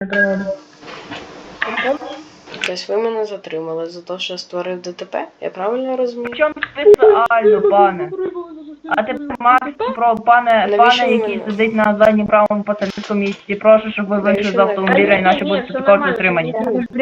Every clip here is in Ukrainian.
Тобто ви мене затримали за те, що я створив ДТП? Я правильно розумію? Причому спеціально, пане? А тепер Макс, пане, Навіщо ви який мене? сидить на заднім правому пасажирському місці, прошу, щоб ви вийшли з автомобіля, іначе будете також затримані.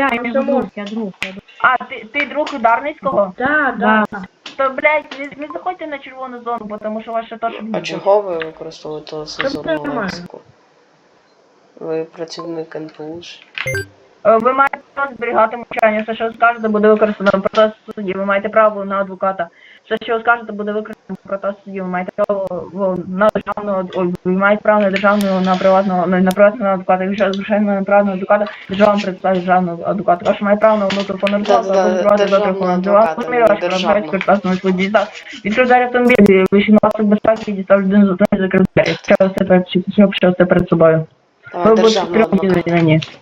А, ти друг Ударницького? Да. То, блядь, не заходьте на червону зону, тому що ваше теж А буде. чого ви використовуєте цензурну лексику? Ви працівник НПУ ж? Ви маєте право зберігати мовчання, все, що ви скажете, буде використано проти судді, ви маєте право на адвоката. Все, що ви скажете, буде використано проти судді, ви маєте право на державного, ви маєте право на державного, на приватного адвоката. Якщо звичайно на приватного адвоката, держава представить державного адвоката. Ваше має право на внутрішню адвоката, або державного адвоката, не державного. Відкрив двері автомобілі, вищий пасок безпеки, дістав людину з одної, закрив двері. Що все перед собою. Давай державного адвоката.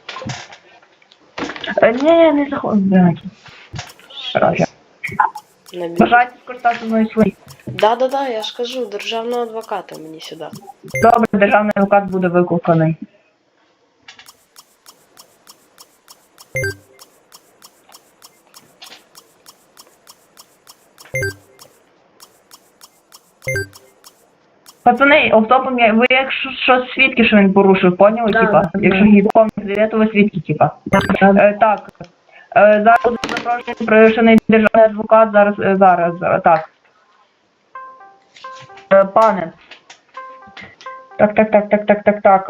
Ні, не заходь, блядь. Бажаєте скористатися з моєї своєї? Да, я ж кажу, державного адвоката мені сюди. Добре, державний адвокат буде викликаний. Пацани, автопом ви якщо щось свідки, що він порушив, поняли, Да, типа? да. Якщо гідком не то ви свідки, типа. Так. Зараз буде запрошений пришений державний адвокат, зараз, так. Пане. Так.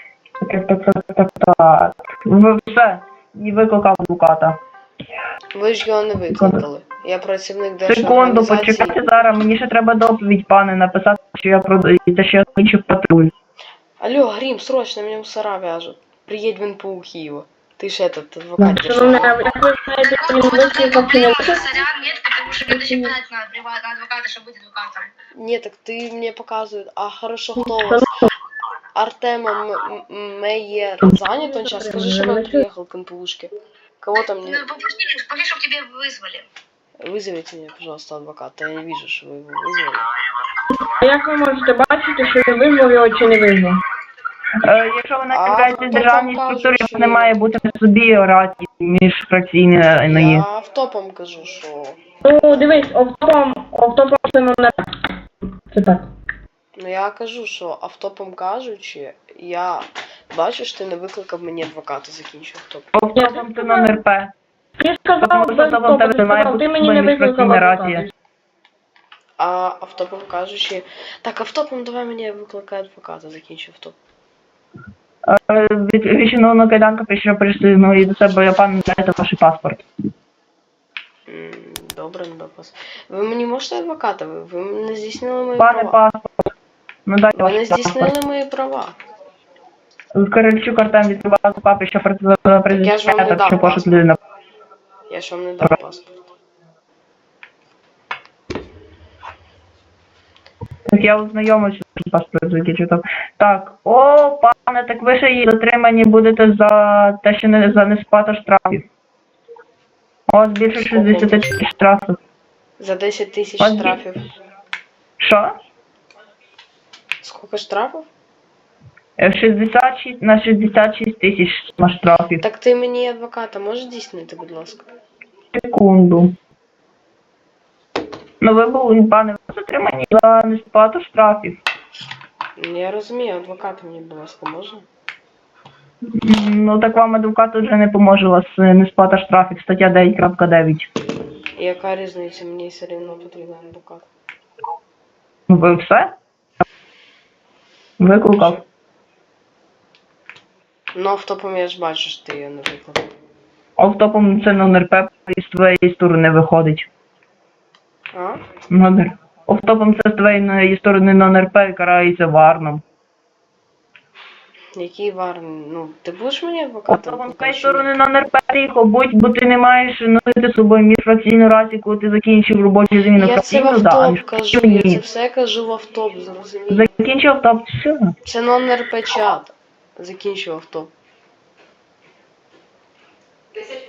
Ви все, і викликав адвоката. Ви ж його не викликали. Я працівник Секунду, держорганізації. почекайте зараз, мені ще треба доповідь, пане, написати, що я що я закінчив патруль. Алло, Грим, срочно, меня мусора вяжут. Приедь в НПУ Киева. Ты ж этот адвокат Шановна, державный. як ви знаєте, що він викликав Нет, потому что надо еще подать на приватного адвоката, чтобы быть адвокатом. Нет, так ты мне показывают. А хорошо, кто у вас? Артем Мейер занят он сейчас? Скажи, что он приехал к НПУшке. Кого там Ну, не... попроси, чтобы тебе вызвали. Вызовите мне, пожалуйста, адвоката. Я не вижу, что вы его вызвали. А як ви можете бачити, що він визвав його чи не визвав? Якщо ви являєтесь хто державній там каже, структурі, що- не має бути в собі рації міжфракційної. Я автопом кажу, що... Ну, дивись, автопом це не. Це так. Ну я кажу, що автопом кажучи, я бачу, що ти не викликав мені адвоката, закінчу автоп. Автопом це номер П. Ти сказав, Тому що без автопом автопу, тебе ти немає сказав, бути ти мені не викликав міжфракційна адвоката. рація. А автопом кажучи... Так, автопом давай мені викликай адвоката, закінчу автоп. Відчинено кайданка, прийшов прийшли і до себе, пан, дайте ваш паспорт. Добре, не допас. Ви мені можете адвоката? Ви не здійснили мої Пане права. паспорт. Ну дайте Ви не ваш паспорт. здійснили мої права. Корольчук Артем відкривав папі, що я ж вам не президент, дав що пошук паспорт. людина. Я ж вам не дав паспорт. Так я ознайомився з паспортом закінчив. Так, пане, так ви ще й затримані будете за те, що не за несплату штрафів. У вас більше 60 тисяч штрафів. За 10 тисяч От- штрафів. Що? Скільки штрафів? 66 на 66 тисяч штрафів. Так ти мені адвоката можеш здійснити, будь ласка? Секунду. Ну ви були, пане, ви затримані за несплату штрафів. Я розумію, адвоката мені, будь ласка, можна? Ну так вам адвокат вже не поможе, у вас несплата штрафів, стаття 9.9. І яка різниця? Мені все рівно потрібен адвокат. Ну ви все? Викликав. Ну, автопом я ж бачу, що ти її не викликав. Автопом це номер П з твоєї сторони виходить. А? Номер. Автопом це з твоєї сторони номер П карається варном. Який варний? Ну, ти будеш мені адвоката? Автопом з твоєї сторони номер П тихо, бо ти не маєш носити з собою міжфракційну рацію, коли ти закінчив робочу зміну Я це в фракційну, да, а автоп кажу, я це ні. все кажу в автоп, зрозумів. Закінчив автоп, все. Це номер печат. Закінчив автоп.